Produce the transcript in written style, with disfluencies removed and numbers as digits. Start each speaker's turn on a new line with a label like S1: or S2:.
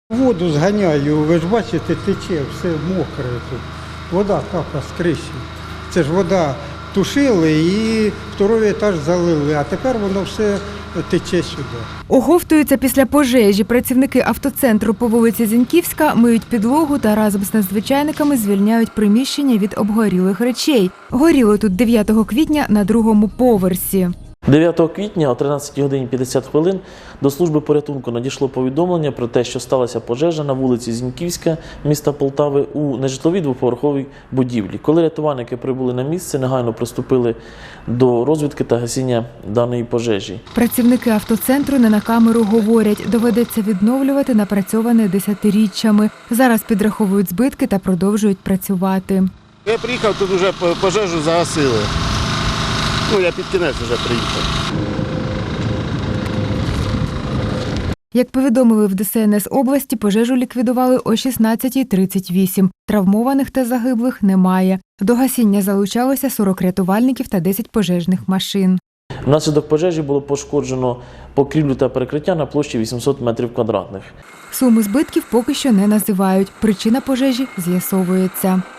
S1: Воду зганяю, ви ж бачите, тече, все мокре тут. Вода капає з криші. Це ж вода тушили і второй етаж залили, а тепер воно все тече сюди.
S2: Оговтуються після пожежі. Працівники автоцентру по вулиці Зіньківська миють підлогу та разом з надзвичайниками звільняють приміщення від обгорілих речей. Горіло тут 9 квітня на 2-му поверсі.
S3: 9 квітня о 13 годині 50 хвилин до служби порятунку надійшло повідомлення про те, що сталася пожежа на вулиці Зіньківська міста Полтави у нежитловій двоповерховій будівлі. Коли рятувальники прибули на місце, негайно приступили до розвідки та гасіння даної пожежі.
S2: Працівники автоцентру не на камеру говорять, доведеться відновлювати напрацьоване десятиріччями. Зараз підраховують збитки та продовжують працювати.
S4: Я приїхав, тут вже пожежу загасили. Я під кінець вже приїхав.
S2: Як повідомили в ДСНС області, пожежу ліквідували о 16:38. Травмованих та загиблих немає. До гасіння залучалося 40 рятувальників та 10 пожежних машин.
S3: Внаслідок пожежі було пошкоджено покрівлю та перекриття на площі 800 метрів квадратних.
S2: Суми збитків поки що не називають. Причина пожежі з'ясовується.